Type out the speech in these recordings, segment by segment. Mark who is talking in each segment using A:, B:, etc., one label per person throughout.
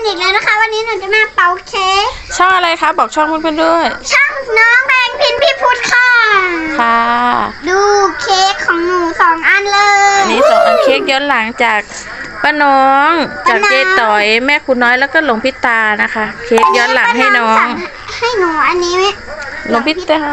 A: อีกแล้วนะคะวันนี้หนูจะมาเป่าเค้ก
B: ช่องอะไรคะบอกช่องเพื่อนๆด้วย
A: ช่องน้องแบงพินพี่พุทธค่ะ
B: ค่ะ
A: ดูเค้กของหนู2 อันเลย
B: อันนี้2 อันเค้กย้อนหลังจากป้าน้องจากเจ๊ต่อยแม่คุณน้อยแล้วก็หลวงพิตานะคะเค้กย้อนหลังให้น้อง
A: ให้หนูอันนี้
B: หลวงพิตา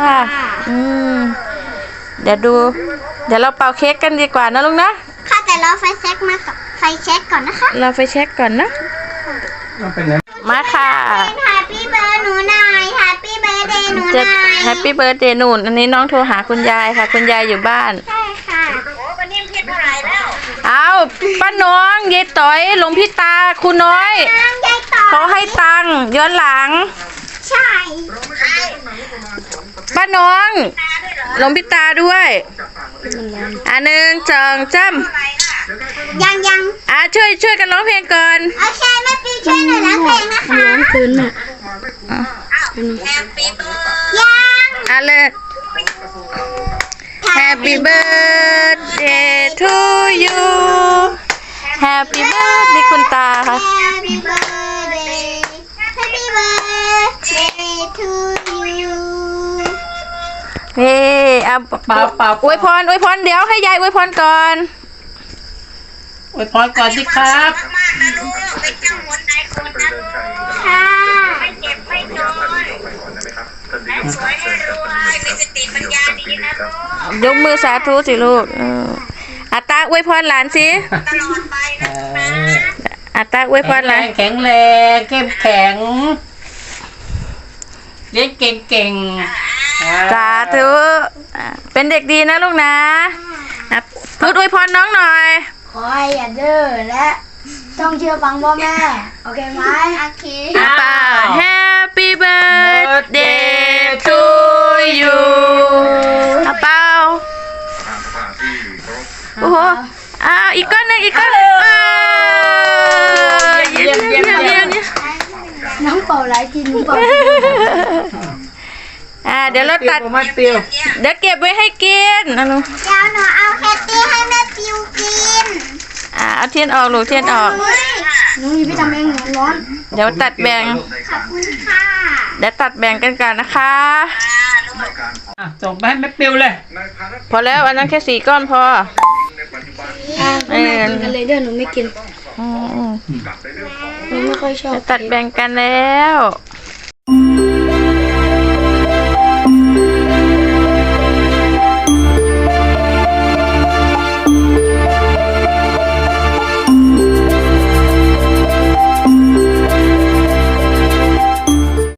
B: เดี๋ยวเราเป่าเค้กกันดีกว่านะลุงนะ
A: ค่ะแต่รอไฟเช็คมาก่อนไฟเช็คก่อนนะคะ
B: เราไฟเช็คก่อนนะมาค่ะ
A: แฮปปี้เบิร์ดหนูหน่อยแฮปปี้เบิร์ดเดย์หนูหน่อย
B: แฮปปี้เบิร์ดเดย์หนูอันนี้น้องโทรหาคุณยายค่ะคุณยายอยู่บ้าน
A: ใช่ค่ะโอ้วันนี้เพียรเท่าไหร่แล้ว
B: เอาป้าน้องยายต่อยหลวงพิตาคุณน้อยเขาให้ตังค์ย้อนหลัง
A: ใช่
B: ป้าน้องหลวงพิตาด้วย1 2 3
A: ยัง
B: ช่วยกันร้องเพลงก่อน
A: โอเคแม่ปีช่วยหนูร้องเพลงนะคะร้องคืนน่ะ
B: ยังเลย Happy birthday to you Happy birthday คุณตาค่ะ
A: Happy birthday to you
B: เฮ้เอาเป่าอวยพรเดี๋ยวให้ยายอวยพรก่อน
C: อวยพรก่อนสิครับ
A: มากนะลูกเป็นเจ้าคนใดคนนะลูกค่ะไม่เจ็บไม่จนและสวยให้รวยมีสติปัญญาดีนะลูก
B: ยกมือสาธุสิลูกอาตาอวยพรหลานสิ
A: ตลอดไปนะ
B: อาตาอวยพรหลาน
C: แข็งแรงเข้มแข็งเรียนเก่ง
B: สาธุเป็นเด็กดีนะลูกนะพูดอวยพรน้องหน่อย
A: ขอให้อย่าดื้อและต้องเชื่อฟังพ่อแม่โอเคไหมโอเค
B: ป้า Happy birthday to you เป้าโอ้โหอีกก้อนหนึ่งเยี่ยม
A: น้องเป่าหลายทีน้องเป่า
B: เดี๋ยวเราตัดเดี๋ยวเก็บไว้ให้กินนะลูก
A: เดี๋ยวหนูเอาแคตตี้ให้แม่ปิวกิน
B: เอาเทียนออกลูกเทียนออก
A: หนูพี่ทำเองร้อน
B: เดี๋ยวตัดแบ่ง
A: ขอบคุณค่ะ
B: เดี๋ยวตัดแบ่งกันก่อนนะคะ
C: ส่งไปให้แม่ปิวเลย
B: พอแล้วอันนั้นแค่4 ก้อนพอ
A: แม่กินกันเลยเด้อหนูไม่กินหนูไม่ค่อยชอบ
B: ตัดแบ่งกันแล้ว